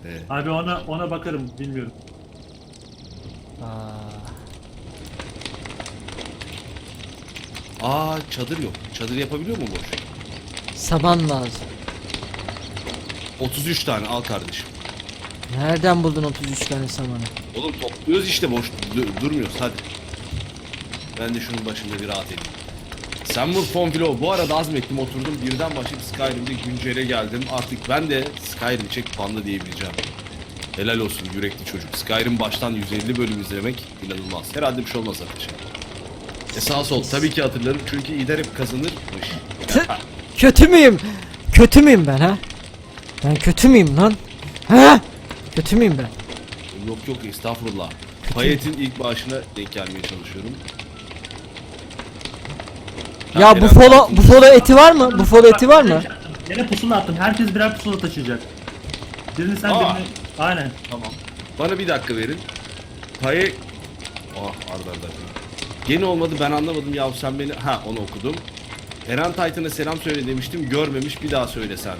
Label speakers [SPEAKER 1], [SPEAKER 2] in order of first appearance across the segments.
[SPEAKER 1] Abi ona bakarım, bilmiyorum.
[SPEAKER 2] Çadır yok. Çadır yapabiliyor mu boş?
[SPEAKER 3] Saman lazım.
[SPEAKER 2] 33 tane al kardeşim.
[SPEAKER 3] Nereden buldun 33 tane samanı?
[SPEAKER 2] Oğlum topluyoruz işte, boş durmuyoruz hadi. Ben de şunun başında bir rahat edeyim. Semur Fonfilo, bu arada azmettim, oturdum birden başlayıp Skyrim'de güncele geldim. Artık ben de Skyrim çek panda diyebileceğim. Helal olsun yürekli çocuk. Skyrim baştan 150 bölüm izlemek inanılmaz. Herhalde bir şey olmaz ateşe. Sağ sol tabii ki hatırlarım çünkü İder hep kazanırmış.
[SPEAKER 3] Kötü müyüm? Kötü müyüm ben ha? Ben kötü müyüm lan? Ha? Kötü müyüm ben?
[SPEAKER 2] Yok estağfurullah. Payet'in ilk bağışına denk gelmeye çalışıyorum.
[SPEAKER 3] Ya bufalo eti var mı? Bufalo eti var mı?
[SPEAKER 1] Yine pusula attım. Herkes birer pusula taşıyacak. Birini sen, birini... Aynen.
[SPEAKER 2] Tamam. Bana bir dakika verin. Paye... arda. Yeni olmadı, ben anlamadım ya, sen beni... Onu okudum. Eren Titan'a selam söyle demiştim, görmemiş, bir daha söyle sen.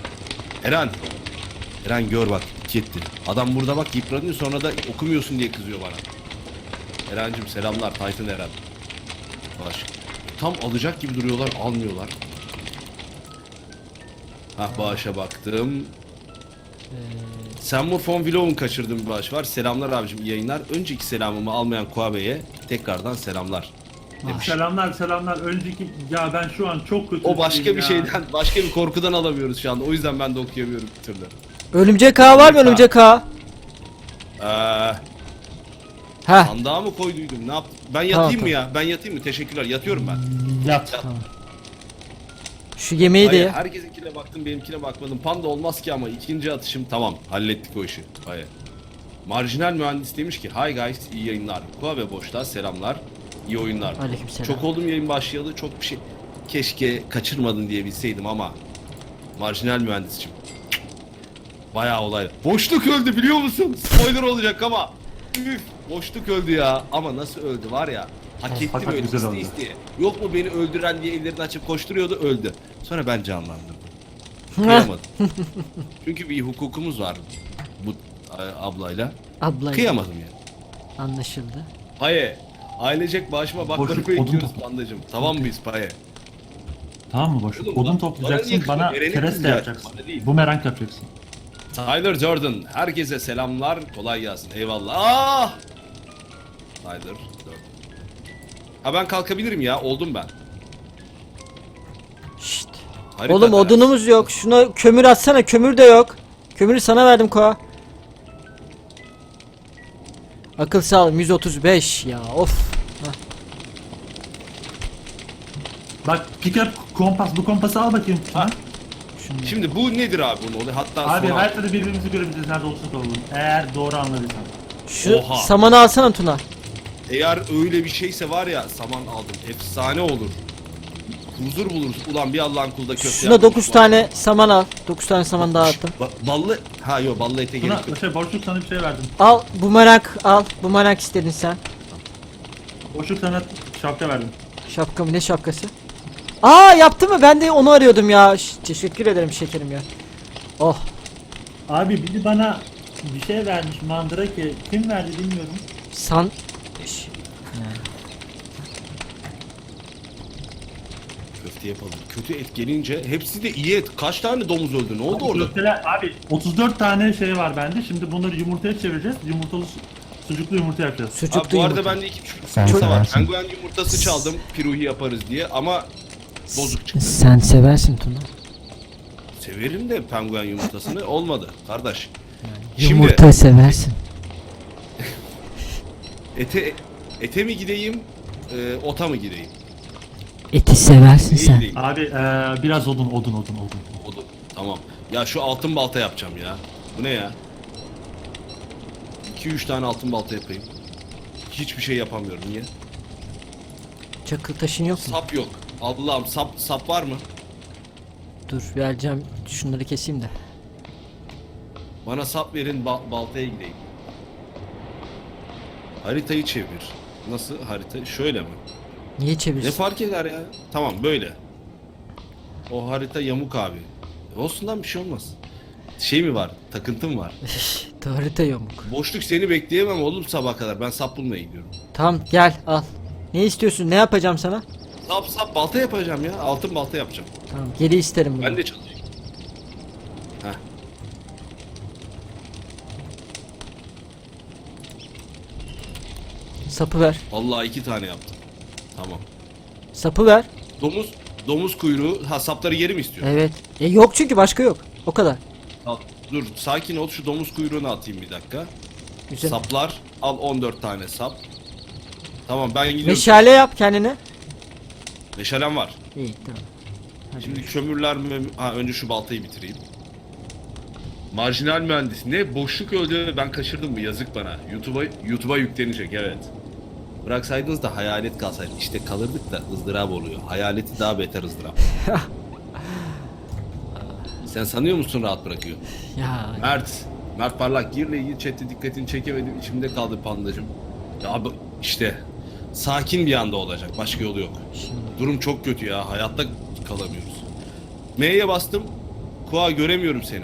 [SPEAKER 2] Eren gör bak, gitti. Adam burada bak yıpranıyor, sonra da okumuyorsun diye kızıyor bana. Eren'cim selamlar, Titan Eren. Tam alacak gibi duruyorlar, almıyorlar. Bağışa baktım. Semur Fon Vlog'un kaçırdığım bir bağış var. Selamlar abicim, iyi yayınlar. Önceki selamımı almayan Kuabe'ye tekrardan selamlar demiş.
[SPEAKER 1] Selamlar. Önceki... Ya ben şu an çok kötü.
[SPEAKER 2] O başka bir şeyden, başka bir korkudan alamıyoruz şu anda. O yüzden ben de okuyamıyorum bir türlü.
[SPEAKER 3] Örümcek ağı var mı, örümcek ağı?
[SPEAKER 2] Sandığa mı koyduydum? Ne yaptım? Ben yatayım mı ya? Ben yatayım mı? Teşekkürler. Yatıyorum ben.
[SPEAKER 1] Yat.
[SPEAKER 3] Tamam. Şu yemeği de ye.
[SPEAKER 2] Herkesinkine baktım, benimkine bakmadım. Panda olmaz ki ama ikinci atışım tamam. Hallettik o işi. Hayır. Marjinal mühendis demiş ki hi guys, iyi yayınlar. Kuabe boşta selamlar. İyi oyunlar.
[SPEAKER 3] Aleykümselam.
[SPEAKER 2] Çok oldum yayın başlayalı. Çok bir şey keşke kaçırmadın diye bilseydim ama marjinal mühendisçim. Bayağı olay. Boşluk öldü biliyor musun? Spoiler olacak ama. Üf, boşluk öldü ya. Ama nasıl öldü var ya. Hak etti böyle isteye. Yok mu beni öldüren diye ellerini açıp koşturuyordu, öldü. Sonra ben canlandırdım. Kıyamadım. Çünkü bir hukukumuz var bu ablayla. Kıyamadım ya.
[SPEAKER 3] Anlaşıldı.
[SPEAKER 2] Paye. Ailecek bağışıma bakları bekliyoruz pandacım. Tamam mıyız Paye?
[SPEAKER 1] Tamam mı boşluk? Odun toplayacaksın, bana kereste yapacaksın. Bumerang yapacaksın.
[SPEAKER 2] Tyler Jordan, herkese selamlar, kolay gelsin, eyvallah. Tyler Jordan. Ben kalkabilirim ya, oldum ben.
[SPEAKER 3] Şşt.
[SPEAKER 2] Harika
[SPEAKER 3] Oğlum odunumuz yok. Şuna kömür atsana, kömür de yok. Kömürü sana verdim Koa. Akıl sağlığım 135 ya, of.
[SPEAKER 1] Bak pick up kompas, bu kompası al bakayım.
[SPEAKER 2] Şimdi bu nedir abi bunun oluyor? Hatta
[SPEAKER 1] abi her türlü birbirimizi görebiliriz nerede olursak olalım. Eğer doğru anladıysan.
[SPEAKER 3] Şu samanı alsana Tuna.
[SPEAKER 2] Eğer öyle bir şeyse var ya, saman aldım. Efsane olur. Huzur buluruz. Ulan bir Allah'ın kulda köfte.
[SPEAKER 3] Şuna 9 tane saman al. 9 tane saman daha attım.
[SPEAKER 2] Ballı. Yok ballı ete gerek yok.
[SPEAKER 1] Boşluk sana bir şey verdim.
[SPEAKER 3] Al bumerang al. Bumerang istedin sen.
[SPEAKER 1] Boşluk sana şapka verdim.
[SPEAKER 3] Şapka mı, ne şapkası? Yaptı mı? Ben de onu arıyordum ya. Teşekkür ederim şekerim ya. Oh.
[SPEAKER 1] Abi biri bana bir şey vermiş, mandrake. Kim verdi bilmiyorum.
[SPEAKER 2] Köfte yapalım. Kötü et gelince hepsi de iyi et. Kaç tane domuz öldü? Ne oldu orada?
[SPEAKER 1] Köfteler, abi 34 tane şey var bende. Şimdi bunları yumurtaya çevireceğiz. Sucuklu yumurta yapacağız.
[SPEAKER 3] Sucuklu
[SPEAKER 2] bu arada
[SPEAKER 3] yumurta.
[SPEAKER 2] bende 2 yumurta var. Penguen yumurtası çaldım. Piruhi yaparız diye ama bozuk çıktı.
[SPEAKER 3] Sen seversin Tuna.
[SPEAKER 2] Severim de penguen yumurtasını, olmadı kardeş.
[SPEAKER 3] Yumurta seversin.
[SPEAKER 2] Ete mi gideyim, ota mı gideyim?
[SPEAKER 3] Eti seversin sen.
[SPEAKER 1] Abi biraz odun.
[SPEAKER 2] Odun. Tamam. Ya şu altın balta yapacağım ya. Bu ne ya? 2-3 tane altın balta yapayım. Hiçbir şey yapamıyorum. Niye?
[SPEAKER 3] Çakıl taşın yok mu?
[SPEAKER 2] Sap yok. Allah'ım sap var mı?
[SPEAKER 3] Dur vereceğim. Şunları keseyim de.
[SPEAKER 2] Bana sap verin, baltaya gideyim. Haritayı çevir. Nasıl harita? Şöyle mi?
[SPEAKER 3] Niye
[SPEAKER 2] Ne
[SPEAKER 3] çevirsin?
[SPEAKER 2] fark eder ya? Tamam böyle. O harita yamuk abi. Olsun lan, bir şey olmaz. şey mi var? Takıntım var.
[SPEAKER 3] Harita yamuk.
[SPEAKER 2] Boşluk seni bekleyemem oğlum sabah kadar. Ben sap bulmaya gidiyorum.
[SPEAKER 3] Tamam gel al. Ne istiyorsun? Ne yapacağım sana?
[SPEAKER 2] Sap balta yapacağım ya. Altın balta yapacağım.
[SPEAKER 3] Tamam geri isterim bunu.
[SPEAKER 2] Ben de çalışayım. Heh.
[SPEAKER 3] Sapı ver.
[SPEAKER 2] Vallahi 2 tane yaptım. Tamam.
[SPEAKER 3] Sapı ver.
[SPEAKER 2] Domuz kuyruğu. Ha sapları geri mi istiyor?
[SPEAKER 3] Evet. Yok çünkü başka yok. O kadar.
[SPEAKER 2] Al, dur sakin ol, şu domuz kuyruğunu atayım bir dakika.
[SPEAKER 3] Güzel.
[SPEAKER 2] Saplar al, 14 tane sap. Tamam ben gidiyorum.
[SPEAKER 3] Meşale yap kendine.
[SPEAKER 2] Meşalem var.
[SPEAKER 3] İyi tamam. Hadi.
[SPEAKER 2] Şimdi kömürler mi? Ha önce şu baltayı bitireyim. Marjinal mühendis. Ne boşluk öldü, ben kaçırdım mı? Yazık bana. YouTube'a yüklenecek, evet. Bıraksaydınız da hayalet kalsaydı. İşte kalırdık da ızdırap oluyor. Hayaleti daha beter ızdırap. Sen sanıyor musun rahat bırakıyor?
[SPEAKER 3] Ya
[SPEAKER 2] Mert Parlak girle ilgili chatte dikkatini çekemedim. İçimde kaldı pandacım. Ya işte sakin bir anda olacak. Başka yolu yok.
[SPEAKER 3] şimdi
[SPEAKER 2] Durum çok kötü ya. Hayatta kalamıyoruz. M'ye bastım. Koa göremiyorum seni.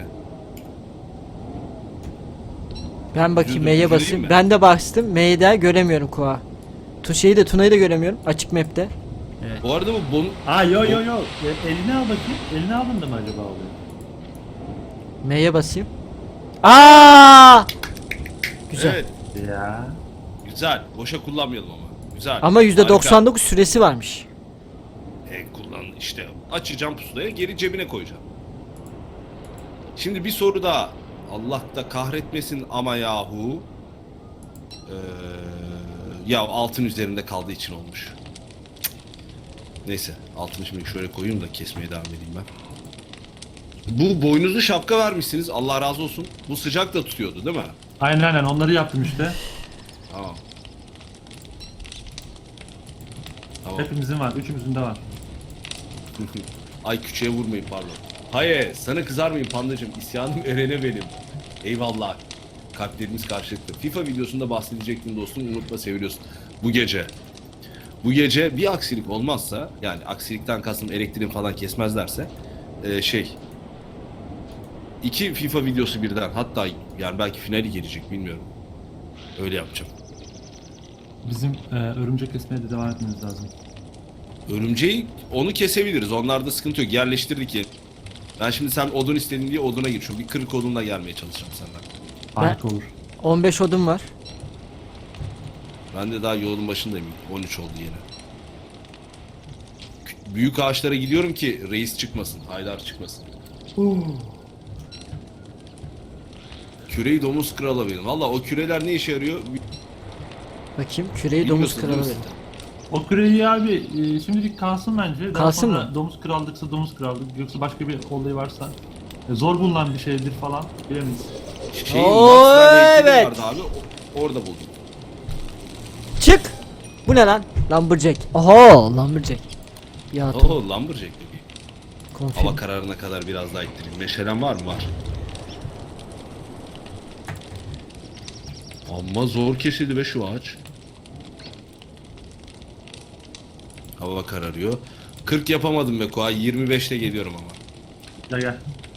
[SPEAKER 3] ben bakayım
[SPEAKER 2] Dur,
[SPEAKER 3] M'ye
[SPEAKER 2] dur,
[SPEAKER 3] basayım.
[SPEAKER 2] üzüleyim mi?
[SPEAKER 3] Ben de bastım. M'yi de göremiyorum Koa. Tuna'yı da göremiyorum. Açık map'te. Evet.
[SPEAKER 2] Bu arada bu
[SPEAKER 1] Aa yo. Elini al bakayım. Elini aldın da mı acaba oluyor?
[SPEAKER 3] M'ye basayım. Aa! Güzel.
[SPEAKER 2] Evet.
[SPEAKER 1] Ya.
[SPEAKER 2] Güzel. Boşa kullanmayalım ama. Güzel.
[SPEAKER 3] Ama
[SPEAKER 2] Harika.
[SPEAKER 3] %99 süresi varmış.
[SPEAKER 2] Kullan işte. Açacağım pusulayı, geri cebine koyacağım. Şimdi bir soru daha. Allah da kahretmesin ama yahu. Ya altın üzerinde kaldığı için olmuş. Neyse altını şimdi şöyle koyayım da kesmeye devam edeyim ben. Bu boynuzlu şapka vermişsiniz. Allah razı olsun. Bu sıcak da tutuyordu değil mi?
[SPEAKER 1] Aynen onları yaptım işte.
[SPEAKER 2] Tamam. Tamam.
[SPEAKER 1] Hepimizin var. Üçümüzün de var.
[SPEAKER 2] Ay küçüğe vurmayın pardon. Hayır sana kızar mıyım pandacım? İsyanım Eren'e benim. Eyvallah. Kalplerimiz karşılıklı. FIFA videosunda bahsedecektim dostum. Unutma seviyorsun. Bu gece bir aksilik olmazsa, yani aksilikten kastım elektriğin falan kesmezlerse iki FIFA videosu birden, hatta yani belki finali gelecek bilmiyorum. Öyle yapacağım.
[SPEAKER 1] Bizim örümcek kesmeye de devam etmemiz lazım.
[SPEAKER 2] Örümceği onu kesebiliriz. Onlarda sıkıntı yok. Yerleştirdik ya. Ben şimdi sen odun istedin diye oduna geçiyorum. Bir 40 odunla gelmeye çalışacağım senden.
[SPEAKER 1] Harika olur.
[SPEAKER 3] 15 odun var.
[SPEAKER 2] Ben de daha yolun başındayım. 13 oldu yine. Büyük ağaçlara gidiyorum ki reis çıkmasın. Haydar çıkmasın. Küreyi domuz krala verin. Valla o küreler ne işe yarıyor?
[SPEAKER 3] Bakayım küreyi domuz
[SPEAKER 2] Bilmiyorsun değil
[SPEAKER 3] kralı
[SPEAKER 2] mi
[SPEAKER 3] verin.
[SPEAKER 2] sen?
[SPEAKER 1] O küreyi abi şimdilik kalsın bence. Daha
[SPEAKER 3] Kalsın
[SPEAKER 1] sonra
[SPEAKER 3] mı?
[SPEAKER 1] Domuz krallıksa domuz krallık. Yoksa başka bir olayı varsa. Zor bulunan bir şeydir falan. Bilemeyiz.
[SPEAKER 3] Oo,
[SPEAKER 2] Maxwell heykeli
[SPEAKER 3] evet.
[SPEAKER 2] vardı abi. Orada buldum.
[SPEAKER 3] Çık! Bu ne lan? Lumberjack. Oho Lumberjack. Ya
[SPEAKER 2] Oho Lumberjack dedi.
[SPEAKER 3] konfirm.
[SPEAKER 2] Hava kararına kadar biraz daha ittireyim. Meşalem var mı? Var. Amma zor kesildi be şu ağaç. Hava kararıyor. 40 yapamadım be Koa. 25'te geliyorum ama.
[SPEAKER 1] Gel.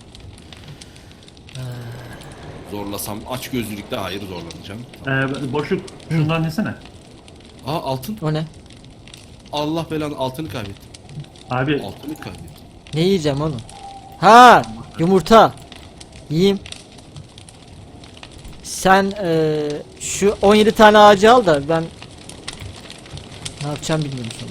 [SPEAKER 2] Zorlasam aç gözlülükte hayır zorlanacağım.
[SPEAKER 1] Boşluk şundan yesene.
[SPEAKER 2] Aa altın.
[SPEAKER 3] O ne?
[SPEAKER 2] Allah belanı altını kaybettim.
[SPEAKER 1] Abi
[SPEAKER 2] Altını kaybettim.
[SPEAKER 3] Ne yiyeceğim oğlum? Ha yumurta. Yiyeyim. Sen şu 17 tane ağacı al da ben ne yapacağım bilmiyorum sonra.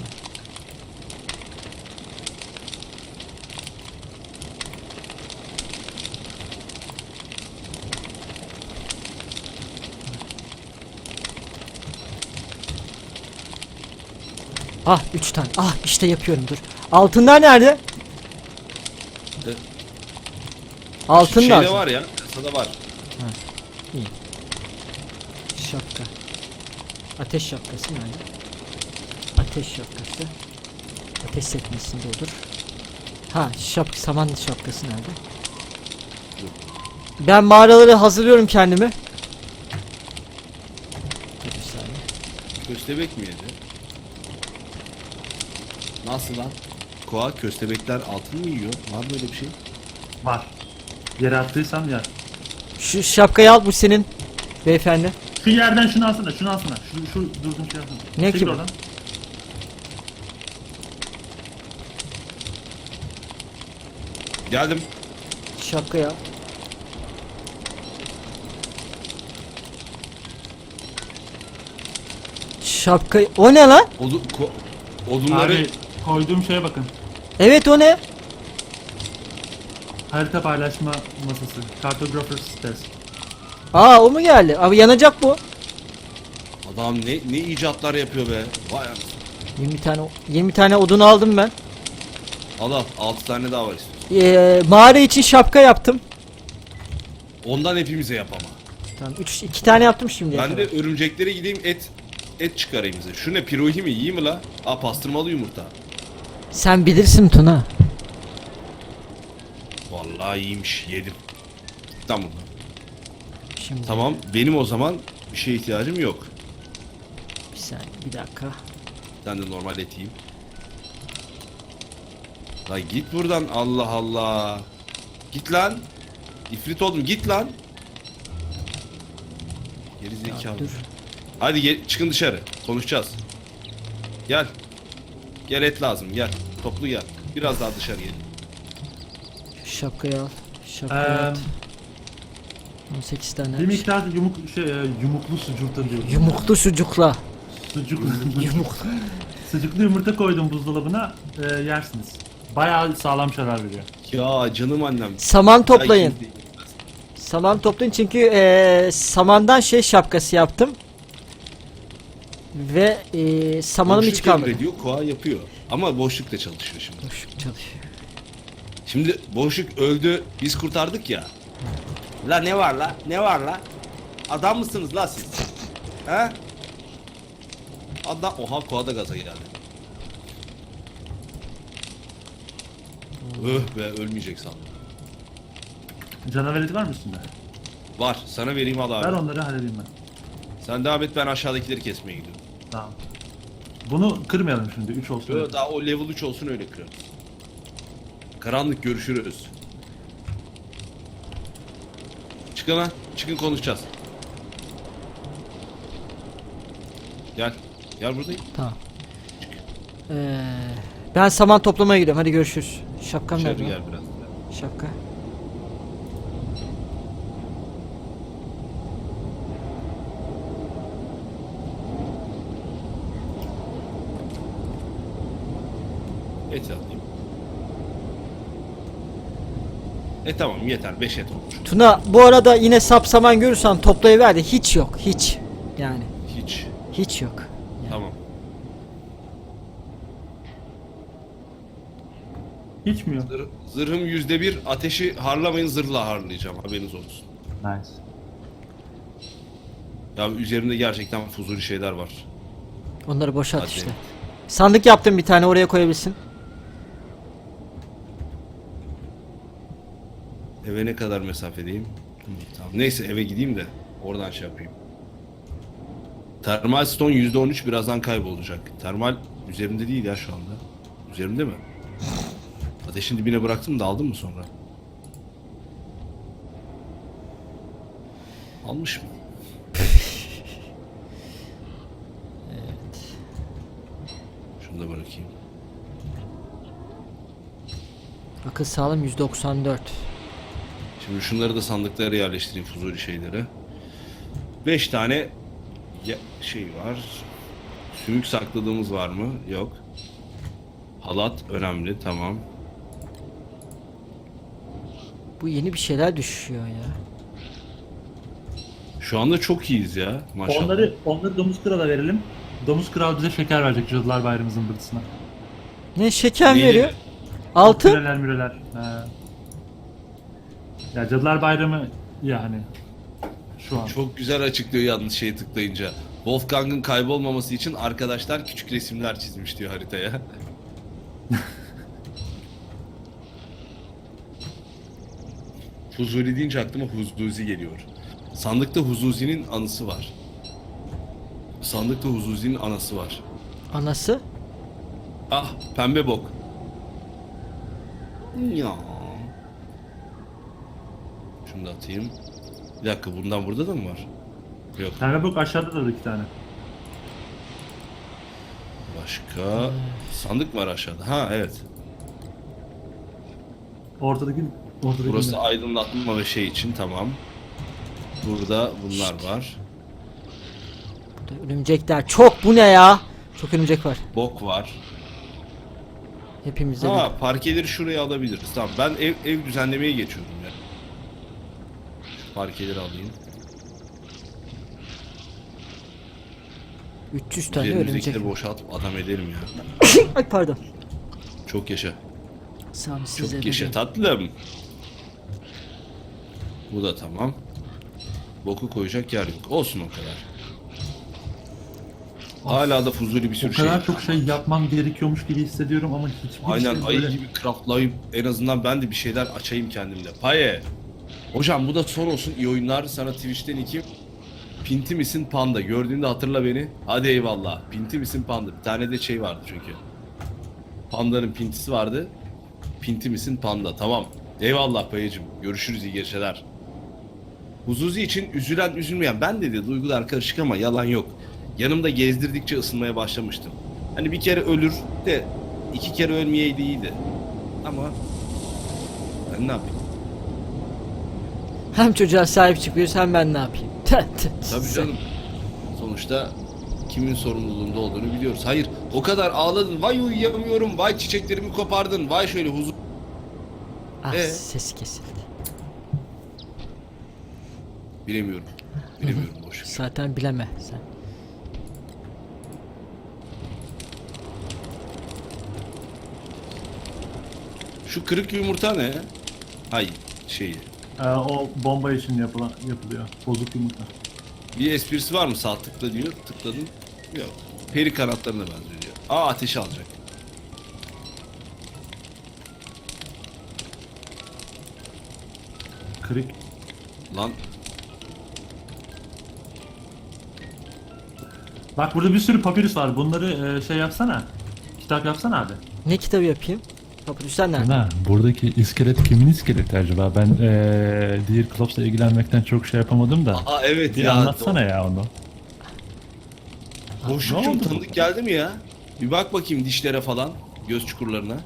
[SPEAKER 3] Ah 3 tane. Ah işte yapıyorum dur. Altınlar nerede?
[SPEAKER 2] Evet.
[SPEAKER 3] Altın
[SPEAKER 2] Şeyde
[SPEAKER 3] lazım.
[SPEAKER 2] var ya. Kasada var.
[SPEAKER 3] İyi. Şapka. Ateş şapkası nerede? Ateş şapkası. Ateş sekmesinde olur. Ha saman şapkası nerede? Ben mağaraları hazırlıyorum kendimi. Dur bir saniye.
[SPEAKER 2] Köstebek mi yedi? Nasıl lan? Koa köstebekler altın mı yiyor? Var böyle bir şey?
[SPEAKER 1] var. Yere attıysam ya.
[SPEAKER 3] Şu şapkayı al, bu senin beyefendi.
[SPEAKER 1] Şu yerden şunu alsana, şunu alsana. Şu durdum şey alsana.
[SPEAKER 3] Ne
[SPEAKER 1] Çekil
[SPEAKER 3] ki bu?
[SPEAKER 1] oradan.
[SPEAKER 2] Geldim.
[SPEAKER 3] Şapkayı al. Şapkayı... O ne lan?
[SPEAKER 2] Odunları
[SPEAKER 1] Abi koyduğum şeye bakın.
[SPEAKER 3] Evet, o ne?
[SPEAKER 1] Harita paylaşma masası. Cartographer's Desk.
[SPEAKER 3] Aa, o mu geldi? Abi yanacak bu.
[SPEAKER 2] adam ne icatlar yapıyor be. Vay anasını.
[SPEAKER 3] 20 tane odun aldım ben.
[SPEAKER 2] Al 6 tane daha var istiyorsun.
[SPEAKER 3] Mağara için şapka yaptım.
[SPEAKER 2] Ondan hepimize yap ama.
[SPEAKER 3] Tamam, 2 tane yaptım şimdi.
[SPEAKER 2] Ben de örümceklere gideyim et çıkarayım bize. Şu ne, pirohi mi, iyi mi la? Aa, pastırmalı yumurta.
[SPEAKER 3] Sen bilirsin Tuna.
[SPEAKER 2] Vallahi iyiymiş, yedim. Tamam.
[SPEAKER 3] Şimdi
[SPEAKER 2] Tamam, benim o zaman bir şeye ihtiyacım yok.
[SPEAKER 3] bir saniye, bir dakika.
[SPEAKER 2] Ben de normal et yiyeyim. La git buradan, Allah Allah. Git lan. İfrit oldum, git lan. Geri zekalı.
[SPEAKER 3] Dur.
[SPEAKER 2] Hadi çıkın dışarı. Konuşacağız. Gel. Gel, et lazım, gel. Toplu gel. Biraz daha dışarı gelin.
[SPEAKER 3] Şapkayı al. Şapkayı at. 18 tane.
[SPEAKER 1] Bir miktar yumuklu sucukta diyorum.
[SPEAKER 3] Yumuklu sucukla.
[SPEAKER 1] Sucuklu.
[SPEAKER 3] Yumuk.
[SPEAKER 1] Sucuklu yumurta koydum buzdolabına. Yersiniz. Bayağı sağlam şeyler veriyor.
[SPEAKER 2] Ya canım annem.
[SPEAKER 3] Saman toplayın.
[SPEAKER 2] Ay, şimdi-
[SPEAKER 3] Saman toplayın çünkü samandan şapkası yaptım. Ve samanım hiç
[SPEAKER 2] Boşluk
[SPEAKER 3] kalmadı.
[SPEAKER 2] emrediyor, Koa yapıyor. Ama boşluk da çalışıyor şimdi.
[SPEAKER 3] Boşluk çalışıyor.
[SPEAKER 2] Şimdi boşluk öldü, biz kurtardık ya. La ne var la? Ne var la? Adam mısınız la siz? He? Adam... Oha, Koa da gaza geldi. Öh be, ölmeyecek sandım.
[SPEAKER 1] Canavar eti var mı üstünde?
[SPEAKER 2] Var, sana vereyim, al abi.
[SPEAKER 1] Ver onları halledeyim ben.
[SPEAKER 2] Sen devam et, ben aşağıdakileri kesmeye gidiyorum.
[SPEAKER 1] Tamam. Bunu kırmayalım şimdi. 3 olsun.
[SPEAKER 2] Yo, daha o level 3 olsun, öyle kırarız. Karanlık, görüşürüz. Çıkın lan, çıkın, konuşacağız. Gel, gel buradayım.
[SPEAKER 3] Tamam. Ben saman toplamaya gidiyorum. Hadi görüşürüz. Şapkam
[SPEAKER 2] Dışarı
[SPEAKER 3] nerede?
[SPEAKER 2] gel biraz.
[SPEAKER 3] Şapka.
[SPEAKER 2] Et alayım. Tamam, yeter, 5 et olmuş.
[SPEAKER 3] Tuna, bu arada yine sap saman görürsen toplayıver de hiç yok. Hiç. Yani
[SPEAKER 2] Hiç.
[SPEAKER 3] hiç yok.
[SPEAKER 2] Tamam.
[SPEAKER 1] Hiç mi yok?
[SPEAKER 2] Zırhım %1, ateşi harlamayın, zırhla harlayacağım, haberiniz olsun.
[SPEAKER 1] Nice.
[SPEAKER 2] Ya üzerimde gerçekten fuzuli şeyler var.
[SPEAKER 3] Onları boşalt
[SPEAKER 2] Hadi.
[SPEAKER 3] işte. Sandık yaptım bir tane, oraya koyabilirsin.
[SPEAKER 2] Eve ne kadar mesafedeyim? Tamam. Neyse, eve gideyim de oradan şey yapayım. Termal stone %13 birazdan kaybolacak. Termal üzerimde değil ya şu anda. Üzerimde mi? Ateşin dibine bıraktım da aldın mı sonra? Almış mı? Şunu da bırakayım.
[SPEAKER 3] Akıl sağlığım 194.
[SPEAKER 2] Şimdi şunları da sandıklara yerleştireyim, fuzuli şeyleri. 5 tane şey var. Sümük sakladığımız var mı? Yok. Halat önemli, tamam.
[SPEAKER 3] Bu yeni bir şeyler düşüyor ya.
[SPEAKER 2] Şu anda çok iyiyiz ya, maşallah.
[SPEAKER 1] Onları Domuz Kral'a verelim. Domuz Kral bize şeker verecek Cadılar Bayramı zımbırtısına.
[SPEAKER 3] Ne şeker
[SPEAKER 2] Neydi?
[SPEAKER 3] veriyor? Altın.
[SPEAKER 1] Müreler. He. Ya Cadılar Bayramı yani. Şu an.
[SPEAKER 2] Çok güzel açıklıyor yalnız şeye tıklayınca. Wolfgang'ın kaybolmaması için arkadaşlar küçük resimler çizmiş diyor haritaya. Fuzuli deyince aklıma Huzuzi geliyor. Sandıkta Huzuzi'nin anısı var. Sandıkta Huzuzi'nin anası var.
[SPEAKER 3] Anası?
[SPEAKER 2] Ah, pembe bok. Ya. Şunu da atayım. Bir dakika, bundan burada da mı var? Yok.
[SPEAKER 1] Kanka bak aşağıda da 2 tane.
[SPEAKER 2] Başka sandık mı var aşağıda? Ha evet.
[SPEAKER 1] Ortadaki
[SPEAKER 2] Burası aydınlatma ve şey için, tamam. Burada bunlar var.
[SPEAKER 3] Burada örümcekler çok, bu ne ya? Çok örümcek var.
[SPEAKER 2] Bok var.
[SPEAKER 3] Hepimizde
[SPEAKER 2] Ha, parkeleri şuraya alabiliriz. Tamam, ben ev düzenlemeye geçiyordum ya. Şu parkeleri alayım.
[SPEAKER 3] 300 tane örümcek.
[SPEAKER 2] Üzerimizdekileri boşaltıp adam edelim ya.
[SPEAKER 3] Ay pardon.
[SPEAKER 2] Çok yaşa.
[SPEAKER 3] Sam size
[SPEAKER 2] Çok yaşa tatlım. Bu da tamam. Boku koyacak yer yok. Olsun o kadar. Hala da fuzuli bir
[SPEAKER 1] O
[SPEAKER 2] sürü şey.
[SPEAKER 1] kadar çok şey yapmam gerekiyormuş gibi hissediyorum ama hiçbir
[SPEAKER 2] Aynen,
[SPEAKER 1] şey
[SPEAKER 2] ayı
[SPEAKER 1] böyle...
[SPEAKER 2] gibi craftlayıp en azından ben de bir şeyler açayım kendimde. Paye. Hocam bu da son olsun. İyi oyunlar. Sana Twitch'ten 2. Pinti misin panda? Gördüğünde hatırla beni. Hadi eyvallah. Pinti misin panda? Bir tane de şey vardı çünkü. Pandanın pintisi vardı. Pinti misin panda? Tamam. Eyvallah Payecim. Görüşürüz, iyi geceler. Huzuzi için üzülen üzülmeyen, ben de duygular karışık ama yalan yok. Yanımda gezdirdikçe ısınmaya başlamıştım. Hani bir kere ölür de 2 kere ölmeyeydi iyiydi. Ama ben ne yapayım?
[SPEAKER 3] Hem çocuğa sahip çıkıyoruz hem ben ne yapayım?
[SPEAKER 2] Tabii canım. Sonuçta kimin sorumluluğunda olduğunu biliyoruz. Hayır, o kadar ağladın. Vay uyuyamıyorum. Vay çiçeklerimi kopardın. Vay şöyle huzur.
[SPEAKER 3] Ah, sesi kesildi.
[SPEAKER 2] Bilemiyorum. Bilemiyorum, boş.
[SPEAKER 3] Zaten bileme sen.
[SPEAKER 2] Şu kırık yumurta ne? Hay şeyi.
[SPEAKER 1] o bomba için yapılıyor. Bozuk yumurta.
[SPEAKER 2] Bir esprisi var mı? Sağ tıkla diyor. Tıkladın. Yok. Peri kanatlarına benziyor diyor. Aa, ateşi alacak.
[SPEAKER 1] Kırık.
[SPEAKER 2] Lan
[SPEAKER 1] Bak burada bir sürü papirüs var. Bunları şey yapsana. Kitap yapsana abi.
[SPEAKER 3] Ne kitabı yapayım? Papyrus'lar nerede?
[SPEAKER 1] Ha, buradaki iskelet kimin iskeleti acaba? Ben Dear Klops'la ilgilenmekten çok şey yapamadım da.
[SPEAKER 2] aa evet
[SPEAKER 1] Bir
[SPEAKER 2] ya.
[SPEAKER 1] anlatsana ya onu.
[SPEAKER 2] Boşlukçum
[SPEAKER 1] Ne oldu
[SPEAKER 2] tanıdık
[SPEAKER 1] bu?
[SPEAKER 2] geldi mi ya? Bir bak bakayım dişlere falan. Göz çukurlarına.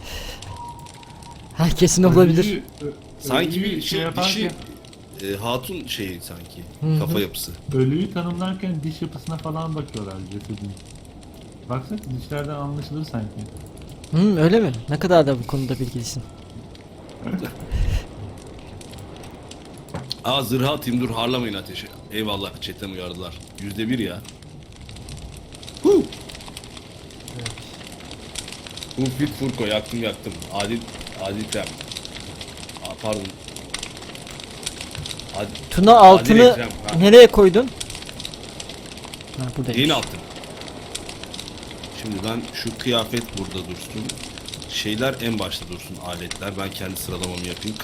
[SPEAKER 3] Ha, kesin olabilir.
[SPEAKER 2] Sanki bir şey
[SPEAKER 1] yaparken,
[SPEAKER 2] dişi hatun şeyi sanki.
[SPEAKER 3] Hı hı.
[SPEAKER 2] Kafa yapısı.
[SPEAKER 1] ölüyü tanımlarken diş yapısına falan bakıyorlar cesedin. Baksana dişlerden anlaşılır sanki.
[SPEAKER 3] Öyle mi? Ne kadar da bu konuda bilgilisin.
[SPEAKER 2] Aa, zırha atayım, dur harlamayın ateşi. Eyvallah, chatten uyardılar. %1 ya. Fit Furko, yaktım. Adil Krem. Aa, pardon.
[SPEAKER 3] Tuna altını
[SPEAKER 2] Ekrem, ha.
[SPEAKER 3] nereye koydun? Ha, buradaymış.
[SPEAKER 2] Neyin altın? Şimdi ben şu kıyafet burada dursun. Şeyler en başta dursun, aletler. Ben kendi sıralamamı yapayım.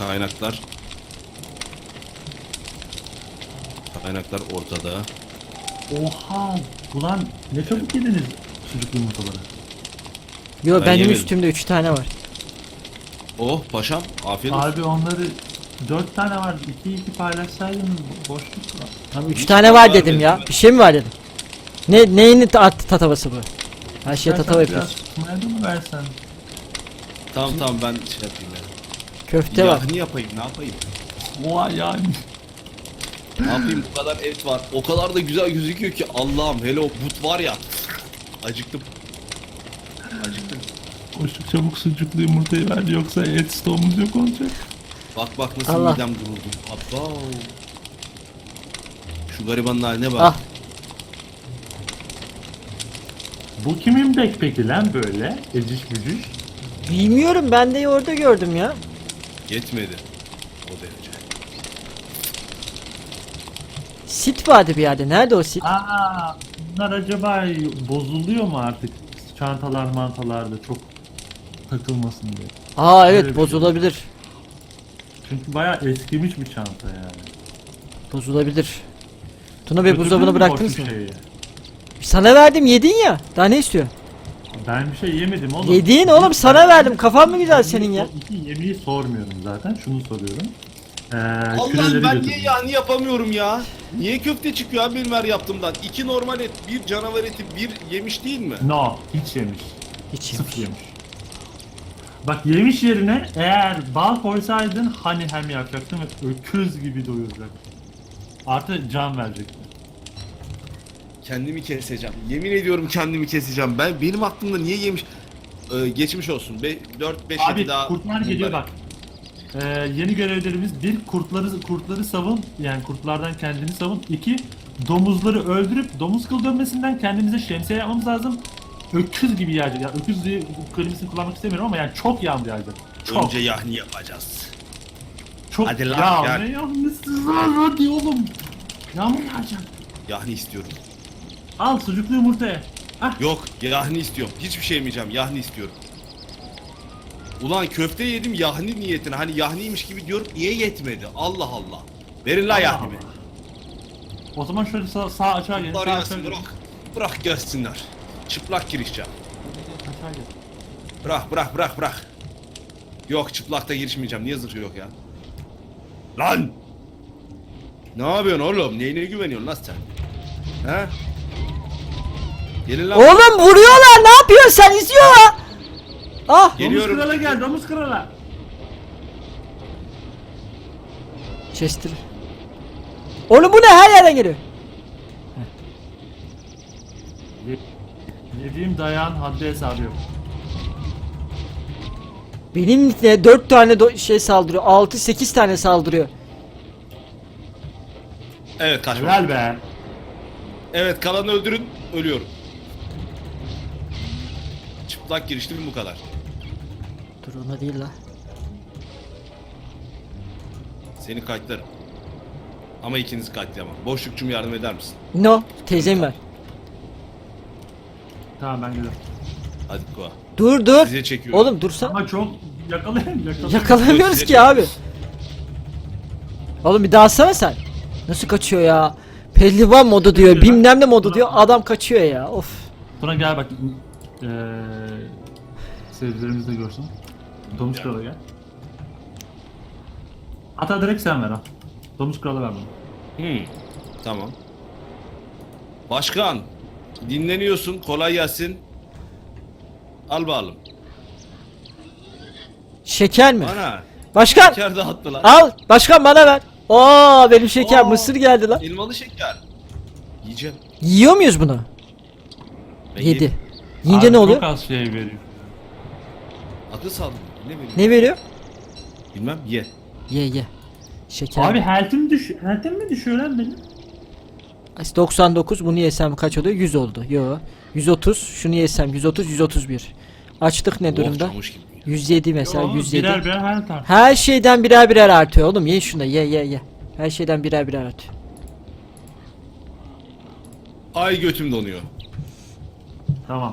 [SPEAKER 2] Kaynaklar ortada.
[SPEAKER 1] Oha! Ulan ne çabuk yediniz çocuk yumurtaları.
[SPEAKER 3] Yo,
[SPEAKER 2] Ben
[SPEAKER 3] benim
[SPEAKER 2] yemedim.
[SPEAKER 3] üstümde 3 tane var.
[SPEAKER 2] Oh paşam, afiyet olsun.
[SPEAKER 1] Abi onları 4 tane var. 2 paylaşsaydınız boşluk var.
[SPEAKER 3] Tamam, 3
[SPEAKER 2] Hiç
[SPEAKER 3] tane
[SPEAKER 2] var
[SPEAKER 3] var
[SPEAKER 2] dedim
[SPEAKER 3] dedim ya.
[SPEAKER 2] ben.
[SPEAKER 3] Bir şey mi var dedim. Neyin tatavası bu? Her şeye tatava
[SPEAKER 1] Biraz
[SPEAKER 3] yapıyoruz.
[SPEAKER 1] tutmaya da mı versen?
[SPEAKER 2] Tamam ben şey yapayım ya.
[SPEAKER 3] Köfte var.
[SPEAKER 2] Yahni yapayım, ne yapayım?
[SPEAKER 1] Oha yani.
[SPEAKER 2] Ne yapayım, bu kadar et var. O kadar da güzel gözüküyor ki Allah'ım, hele o but var ya. Acıktım.
[SPEAKER 1] Boşluk çabuk sucuklu yumurtayı ver yoksa et stoğumuz yok olacak.
[SPEAKER 2] Bak nasıl
[SPEAKER 3] Allah.
[SPEAKER 2] midem duruldu. Abba. Şu garibanın haline bak.
[SPEAKER 3] Ah,
[SPEAKER 1] Bu kimin backpack'i lan böyle? Eciş bücüş.
[SPEAKER 3] bilmiyorum, ben de orada gördüm ya.
[SPEAKER 2] Yetmedi. O derece.
[SPEAKER 3] Sit vardı bir yerde. Nerede o sit?
[SPEAKER 1] Aa, bunlar acaba bozuluyor mu artık? Çantalar mantalarda çok takılmasın diye.
[SPEAKER 3] Aa
[SPEAKER 1] Öyle
[SPEAKER 3] evet,
[SPEAKER 1] bir şey.
[SPEAKER 3] bozulabilir.
[SPEAKER 1] Çünkü bayağı eskimiş bir çanta yani.
[SPEAKER 3] Bozulabilir. Tuna Bey,
[SPEAKER 1] Götürdün
[SPEAKER 3] buzdolabına
[SPEAKER 1] mü
[SPEAKER 3] bıraktınız
[SPEAKER 1] boşluk
[SPEAKER 3] mı?
[SPEAKER 1] şeyi?
[SPEAKER 3] Sana verdim, yedin ya. Daha ne istiyor?
[SPEAKER 1] Ben bir şey yemedim oğlum.
[SPEAKER 3] Yedin oğlum, sana verdim. Kafan mı güzel senin ya?
[SPEAKER 1] İki yemeği sormuyorum zaten. Şunu soruyorum.
[SPEAKER 2] Allah'ım
[SPEAKER 1] küreleri
[SPEAKER 2] ben
[SPEAKER 1] götürdüm.
[SPEAKER 2] niye yahni yapamıyorum ya? Niye köfte çıkıyor abi benim her yaptığımdan? 2 normal et, 1 canavar eti, 1 yemiş değil mi?
[SPEAKER 1] No, hiç yemiş.
[SPEAKER 3] Hiç
[SPEAKER 1] Sıfır
[SPEAKER 3] yemiş.
[SPEAKER 1] yemiş. Bak yemiş yerine eğer bal koysaydın hani hem yapacaktın ve öküz gibi doyuracaktın. Artı can verecektin.
[SPEAKER 2] Kendimi keseceğim. Yemin ediyorum kendimi keseceğim. Benim aklımda niye yemiş? Geçmiş olsun. 4-5
[SPEAKER 1] Abi
[SPEAKER 2] daha.
[SPEAKER 1] kurtlar geliyor bak. Yeni görevlerimiz bir kurtları savun, yani kurtlardan kendini savun. 2 domuzları öldürüp domuz kıl dönmesinden kendimize şemsiye yapmamız lazım. Öküz gibi yağacak. Ya öküz diye kelimesini kullanmak istemiyorum ama yani çok yağmur yağacak. Çok.
[SPEAKER 2] Önce yahni yapacağız.
[SPEAKER 1] Çok.
[SPEAKER 2] Hadi lan,
[SPEAKER 1] ya
[SPEAKER 2] gel.
[SPEAKER 1] ne yağmurlusu var hadi oğlum. Yağmur yağacak.
[SPEAKER 2] Yahni istiyorum.
[SPEAKER 1] Al sucuklu yumurtaya. Ah.
[SPEAKER 2] Yok, yahni istiyorum. Hiçbir şey yemeyeceğim. Yahni istiyorum. Ulan köfte yedim yahni niyetine. Hani yahniymiş gibi diyorum. Niye yetmedi? Allah Allah. Verin la
[SPEAKER 1] Allah
[SPEAKER 2] yahnimi.
[SPEAKER 1] Allah. O zaman şöyle sağ açığa gelin.
[SPEAKER 2] Var
[SPEAKER 1] Sağ
[SPEAKER 2] yansın
[SPEAKER 1] açığa gelin.
[SPEAKER 2] bırak. Bırak gelsinler. Çıplak girişeceğim.
[SPEAKER 1] Aşağı gelin.
[SPEAKER 2] Bırak. Yok çıplakta girişmeyeceğim. Niye zırhı yok ya? Lan! Ne yapıyorsun oğlum? Neyine güveniyorsun lan sen? He? Gelin lan.
[SPEAKER 3] Oğlum vuruyorlar, ne yapıyorsun sen, izliyorlar. Ah
[SPEAKER 2] Geliyorum.
[SPEAKER 1] Domuz krala gel, domuz krala.
[SPEAKER 3] Chester. Oğlum bu ne, her yerden geliyor.
[SPEAKER 1] Yediğim dayağın haddi hesabı yok.
[SPEAKER 3] Benim ne 4 tane şey saldırıyor, 6-8 tane saldırıyor.
[SPEAKER 2] Evet kaçma.
[SPEAKER 1] Helal be.
[SPEAKER 2] Evet kalanı öldürün. Ölüyorum. Çıplak giriştim bu kadar.
[SPEAKER 3] Dur ona değil la.
[SPEAKER 2] Seni kayıtlarım. Ama ikiniz kayıtlayamam. Boşlukçum yardım eder misin?
[SPEAKER 3] No, teyzem ver.
[SPEAKER 1] Tamam ben geliyorum.
[SPEAKER 2] Hadi Koa.
[SPEAKER 3] Dur.
[SPEAKER 2] Size çekiyorum.
[SPEAKER 3] Oğlum dursan.
[SPEAKER 1] Ama çok yakalayamıyoruz.
[SPEAKER 3] Yakalayamıyoruz
[SPEAKER 2] Size
[SPEAKER 3] ki abi.
[SPEAKER 2] çekiyoruz.
[SPEAKER 3] Oğlum bir daha alsana sen. Nasıl kaçıyor ya? Pehlivan modu diyor,
[SPEAKER 1] Geliyor lan.
[SPEAKER 3] bilmem ne modu diyor. Adam kaçıyor ya. Of.
[SPEAKER 1] Sonra gel bak. Seyircilerimiz de görsün. Domuz
[SPEAKER 2] Ya.
[SPEAKER 1] krala gel. Hatta direkt sen ver al. Domuz krala ver bana.
[SPEAKER 2] Tamam. Başkan. Dinleniyorsun. Kolay gelsin. Al bakalım.
[SPEAKER 3] Şeker mi?
[SPEAKER 2] Bana.
[SPEAKER 3] Başkan
[SPEAKER 2] Şeker dağıttı lan.
[SPEAKER 3] al. Başkan bana ver. Oo benim şeker,
[SPEAKER 2] Oo.
[SPEAKER 3] mısır geldi lan.
[SPEAKER 2] Elmalı şeker. Yiyeceğim.
[SPEAKER 3] Yiyor muyuz bunu?
[SPEAKER 2] Ben
[SPEAKER 3] 7.
[SPEAKER 2] yedim.
[SPEAKER 3] Yiyince
[SPEAKER 1] Abi
[SPEAKER 3] ne oluyor?
[SPEAKER 1] Çok az şey veriyor.
[SPEAKER 2] Akıl sağlığı. Ne bileyim.
[SPEAKER 3] Ne veriyor?
[SPEAKER 2] Bilmem. Ye.
[SPEAKER 3] Ye. Şeker.
[SPEAKER 1] Abi health'im mi düşüyor lan benim?
[SPEAKER 3] 99, bunu yesem kaç oluyor? 100 oldu. Yo. 130. Şunu yesem 130, 131. Açlık ne durumda?
[SPEAKER 2] Çamış gibi.
[SPEAKER 3] 107 mesela,
[SPEAKER 1] Yo,
[SPEAKER 3] 107.
[SPEAKER 1] birer health artık.
[SPEAKER 3] Her şeyden birer birer artıyor oğlum. Ye şunu, ye. Her şeyden birer birer artıyor.
[SPEAKER 2] Ay götüm donuyor.
[SPEAKER 1] Tamam.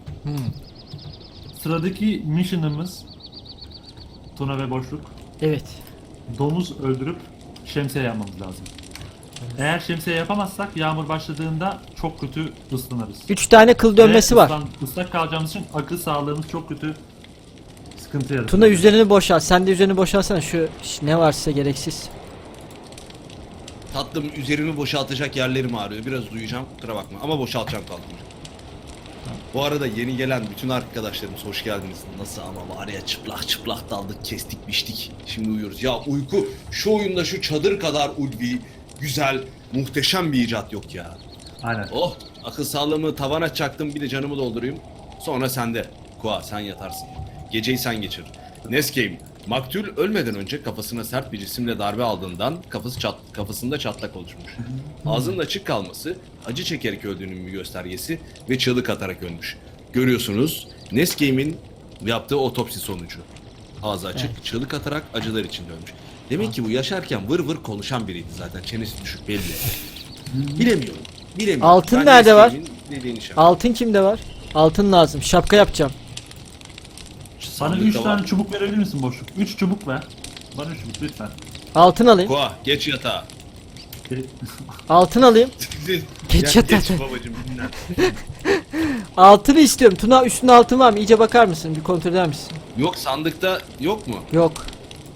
[SPEAKER 1] Sıradaki mission'ımız Tuna ve Boşluk.
[SPEAKER 3] Evet.
[SPEAKER 1] Domuz öldürüp şemsiye yapmamız lazım. Eğer şemsiye yapamazsak yağmur başladığında çok kötü ıslanırız.
[SPEAKER 3] 3 tane kıl dönmesi
[SPEAKER 1] Ve
[SPEAKER 3] var.
[SPEAKER 1] Islak kalacağımız için akıl sağlığımız çok kötü sıkıntı yaratır.
[SPEAKER 3] Tuna üzerini boşalt. Sen de üzerini boşalsana, şu ne varsa gereksiz.
[SPEAKER 2] Tatlım üzerimi boşaltacak yerlerim ağrıyor. Biraz uyuyacağım. Kusura bakma. Ama boşaltacağım tatlım. Bu arada yeni gelen bütün arkadaşlarımız hoş geldiniz. Nasıl ama var ya çıplak daldık, kestik, biçtik. Şimdi uyuyoruz. Ya uyku şu oyunda şu çadır kadar ulvi, güzel, muhteşem bir icat yok ya.
[SPEAKER 1] Aynen.
[SPEAKER 2] Oh, akıl sağlığımı tavana çaktım, bir de canımı doldurayım. Sonra sende. Koa sen yatarsın. Geceyi sen geçir. Nescame, maktul ölmeden önce kafasına sert bir cisimle darbe aldığından kafasında çatlak oluşmuş. Ağzının açık kalması acı çekerek öldüğünün bir göstergesi ve çığlık atarak ölmüş. Görüyorsunuz Nescame'in yaptığı otopsi sonucu. Ağzı açık, çığlık atarak acılar içinde ölmüş. Demek ki bu yaşarken vır vır konuşan biriydi zaten. Çenesi düşük belli. Bilemiyorum.
[SPEAKER 3] Altın
[SPEAKER 2] Ben
[SPEAKER 3] nerede var?
[SPEAKER 2] Nescame'in dediğini şey
[SPEAKER 3] Altın kimde var? Altın lazım. Şapka yapacağım.
[SPEAKER 1] Bana 3
[SPEAKER 2] Sandıkta
[SPEAKER 1] tane
[SPEAKER 2] var.
[SPEAKER 1] çubuk verebilir misin Boşluk? 3 çubuk ver. Bana 3 çubuk lütfen.
[SPEAKER 3] Altın alayım.
[SPEAKER 2] Koa geç yatağa.
[SPEAKER 3] Altın alayım. Geç yatağa.
[SPEAKER 2] Geç babacım dinlen.
[SPEAKER 3] Altını istiyorum. Tuna üstünde altın var mı? İyice bakar mısın? Bir kontrol eder misin?
[SPEAKER 2] Yok sandıkta yok mu?
[SPEAKER 3] Yok.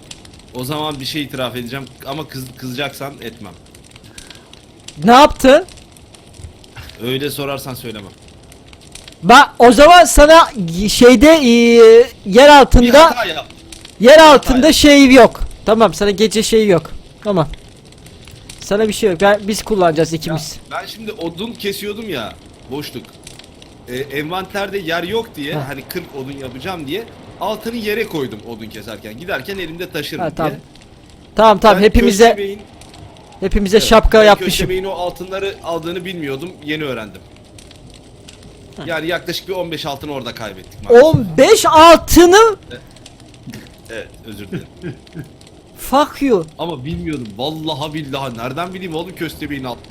[SPEAKER 2] O zaman bir şey itiraf edeceğim ama kızacaksan etmem.
[SPEAKER 3] Ne yaptın?
[SPEAKER 2] Öyle sorarsan söylemem.
[SPEAKER 3] Bak o zaman sana şeyde yer
[SPEAKER 2] Bir
[SPEAKER 3] altında
[SPEAKER 2] hata yap.
[SPEAKER 3] yer altında
[SPEAKER 2] hata.
[SPEAKER 3] şey yok. Tamam sana gece şeyi yok. Tamam. Sana bir şey yok. Biz kullanacağız ikimiz.
[SPEAKER 2] Ben şimdi odun kesiyordum ya. Boşluk. Envanterde yer yok diye
[SPEAKER 3] Heh.
[SPEAKER 2] hani 40 odun yapacağım diye altını yere koydum odun keserken. Giderken elimde taşırım
[SPEAKER 3] Ha, tamam.
[SPEAKER 2] diye.
[SPEAKER 3] Tamam
[SPEAKER 2] Ben
[SPEAKER 3] hepimize
[SPEAKER 2] Köstebeğin- evet,
[SPEAKER 3] şapka
[SPEAKER 2] ben
[SPEAKER 3] yapmışım.
[SPEAKER 2] Köstebeğin o altınları aldığını bilmiyordum. Yeni öğrendim. Yani yaklaşık bir 15 altın orada kaybettik maalesef.
[SPEAKER 3] 15 altını
[SPEAKER 2] Evet, özür dilerim.
[SPEAKER 3] fuck you.
[SPEAKER 2] Ama bilmiyordum. Vallahi billahi nereden bileyim oğlum köstebeğin alt.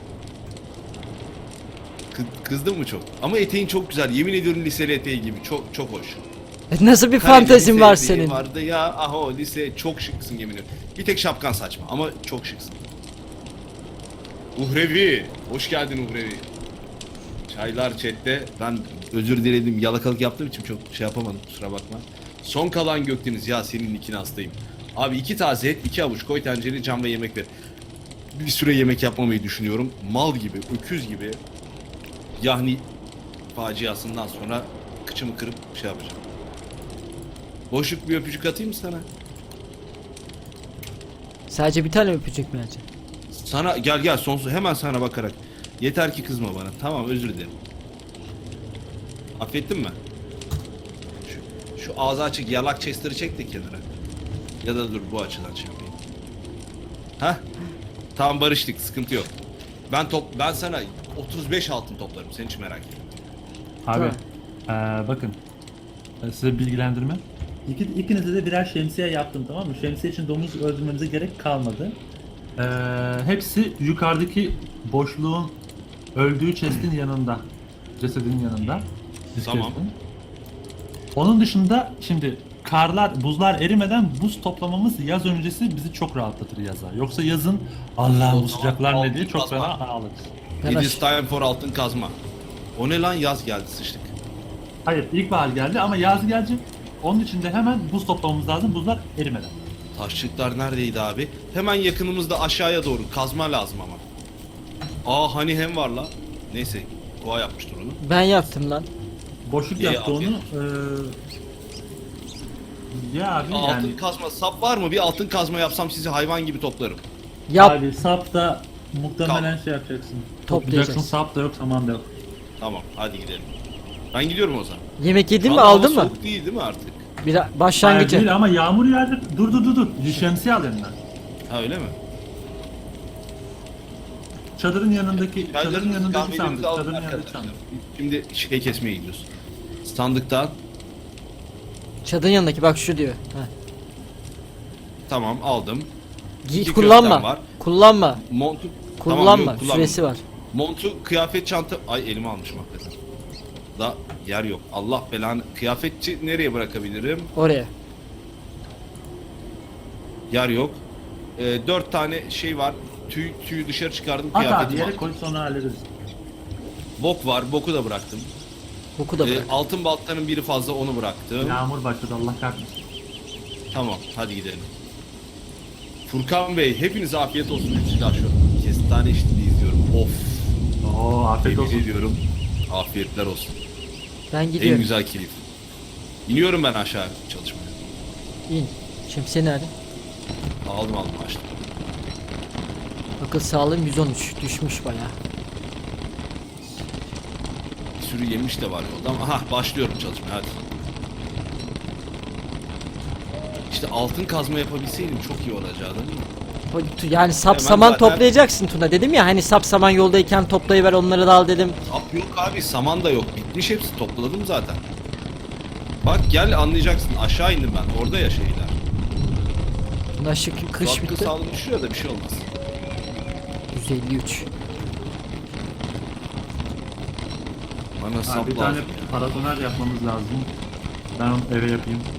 [SPEAKER 2] Kızdın mı çok? Ama eteğin çok güzel. Yemin ediyorum liseli eteği gibi. Çok çok hoş.
[SPEAKER 3] Nasıl bir
[SPEAKER 2] Kareli
[SPEAKER 3] fantezin
[SPEAKER 2] lise
[SPEAKER 3] var
[SPEAKER 2] eteği
[SPEAKER 3] senin?
[SPEAKER 2] Vardı ya. Aha o lise çok şıksın yemin ediyorum. Bir tek şapkan saçma ama çok şıksın. Uhrevi. Hoş geldin Uhrevi. Çaylar chatte. Ben özür diledim. Yalakalık yaptığım için çok şey yapamadım. Kusura bakma. Son kalan Gökdeniz. Ya senin nikine hastayım. Abi 2 taze et, 2 avuç koy tencereye, cam ve yemek ver. Bir süre yemek yapmamayı düşünüyorum. Mal gibi, öküz gibi. Yani faciasından sonra kıçımı kırıp şey yapacağım. Boşluk bir öpücük atayım mı sana?
[SPEAKER 3] Sadece bir tane öpücük mü acaba?
[SPEAKER 2] Sana gel sonsuz hemen sana bakarak. Yeter ki kızma bana. Tamam özür dilerim. Affettin mi? Şu ağzı açık yalak chester'ı çek de kenara. Ya da dur bu açıdan şey yapayım. Hah? Tamam barıştık sıkıntı yok. Ben sana 35 altın toplarım sen hiç merak etme.
[SPEAKER 1] Abi bakın size bilgilendirme. İkinize de birer şemsiye yaptım, tamam mı? Şemsiye için domuz öldürmemize gerek kalmadı. Hepsi yukarıdaki boşluğun öldüğü chest'in yanında. Cesedinin yanında.
[SPEAKER 2] Tamam.
[SPEAKER 1] chest'in. Onun dışında şimdi buzlar erimeden buz toplamamız yaz öncesi bizi çok rahatlatır yaza. Yoksa yazın Allah'ım bu sıcaklar ne diye çok
[SPEAKER 2] altın
[SPEAKER 1] fena
[SPEAKER 2] kazma.
[SPEAKER 1] ağlarız.
[SPEAKER 2] It is time for altın kazma. O ne lan yaz geldi sıçtık.
[SPEAKER 1] Hayır, ilkbahar geldi ama yaz gelecek. Onun için de hemen buz toplamamız lazım, buzlar erimeden.
[SPEAKER 2] Taşlıklar neredeydi abi? Hemen yakınımızda aşağıya doğru kazma lazım ama. Aa hani hem var la. Neyse Koa yapmıştır onu.
[SPEAKER 3] Ben yaptım lan.
[SPEAKER 1] Boşluk
[SPEAKER 2] İyi,
[SPEAKER 1] yaptı onu.
[SPEAKER 2] afiyet.
[SPEAKER 1] Ya abi
[SPEAKER 2] Altın
[SPEAKER 1] yani
[SPEAKER 2] kazma sap var mı? Bir altın kazma yapsam sizi hayvan gibi toplarım.
[SPEAKER 3] Yap.
[SPEAKER 1] abi sap da muhtemelen şey yapacaksın. Toplayacaksın, sap da yok, saman da yok.
[SPEAKER 2] Tamam hadi gidelim. Ben gidiyorum o zaman.
[SPEAKER 3] Yemek yedin
[SPEAKER 2] Şu
[SPEAKER 3] mi
[SPEAKER 2] anda
[SPEAKER 3] aldın
[SPEAKER 2] hava
[SPEAKER 3] mı?
[SPEAKER 2] soğuk değil mi artık?
[SPEAKER 3] Bir
[SPEAKER 1] Hayır
[SPEAKER 3] başlangıcı.
[SPEAKER 1] değil ama yağmur yağdı. Dur. Şemsiye al elinden.
[SPEAKER 2] Ha öyle mi?
[SPEAKER 1] Çadırın yanındaki
[SPEAKER 2] Çaylarınızı, kahvelerinizi
[SPEAKER 1] sandık.
[SPEAKER 2] alın
[SPEAKER 1] Çadırın yanındaki
[SPEAKER 2] arkadaşlar.
[SPEAKER 1] sandık.
[SPEAKER 2] Şimdi şey kesmeye gidiyoruz. Sandıktan
[SPEAKER 3] Çadırın yanındaki bak şu diyor. Ha.
[SPEAKER 2] tamam aldım.
[SPEAKER 3] Giy,
[SPEAKER 2] İki
[SPEAKER 3] kullanma.
[SPEAKER 2] köftem var.
[SPEAKER 3] Kullanma.
[SPEAKER 2] Montu
[SPEAKER 3] Kullanma.
[SPEAKER 2] Tamam, yok,
[SPEAKER 3] Süresi var.
[SPEAKER 2] Montu, kıyafet, çanta... Ay elime almışım hakikaten. Da yer yok. Allah belanı. Kıyafetçi nereye bırakabilirim?
[SPEAKER 3] Oraya.
[SPEAKER 2] Yer yok. 4 tane şey var. Tüyü dışarı çıkardım.
[SPEAKER 1] At abi
[SPEAKER 2] Kıyafetim
[SPEAKER 1] yere
[SPEAKER 2] var.
[SPEAKER 1] koy sonra hallederiz.
[SPEAKER 2] Bok var. Boku da bıraktım.
[SPEAKER 3] Boku da bırak.
[SPEAKER 2] Altın baltanın biri fazla onu bıraktım.
[SPEAKER 1] Yağmur başladı Allah kahretsin.
[SPEAKER 2] Tamam hadi gidelim. Furkan Bey hepinize afiyet olsun. Silah şu kestane eşliğinde izliyorum. Of.
[SPEAKER 1] Oo afiyet
[SPEAKER 2] Yemin
[SPEAKER 1] olsun.
[SPEAKER 2] ediyorum. Afiyetler olsun.
[SPEAKER 3] Ben
[SPEAKER 2] En
[SPEAKER 3] gidiyorum.
[SPEAKER 2] güzel keyif. İniyorum ben aşağı çalışmaya.
[SPEAKER 3] İn. Şemsiye nerede?
[SPEAKER 2] Aldım açtım.
[SPEAKER 3] Akıl sağlığım 113. Düşmüş bayağı.
[SPEAKER 2] Bir sürü yemiş de var yolda ama başlıyorum çalışmaya hadi. İşte altın kazma yapabilseydim çok iyi olacaktı değil mi?
[SPEAKER 3] Yani sap
[SPEAKER 2] Hemen
[SPEAKER 3] saman
[SPEAKER 2] zaten-
[SPEAKER 3] toplayacaksın Tuna dedim ya hani sap saman yoldayken toplayıver onları da al dedim.
[SPEAKER 2] Sap yok abi saman da yok bitmiş hepsi topladım zaten. Bak gel anlayacaksın aşağı indim ben orada ya şeyler.
[SPEAKER 3] Buna şükür kış
[SPEAKER 2] Hakkı
[SPEAKER 3] bitti.
[SPEAKER 2] sağlık düşüyor da bir şey olmaz.
[SPEAKER 3] 153.
[SPEAKER 2] Bana
[SPEAKER 1] Abi
[SPEAKER 2] sap
[SPEAKER 1] bir tane
[SPEAKER 2] lazım ya.
[SPEAKER 1] paratoner yapmamız lazım. Ben onu eve yapayım.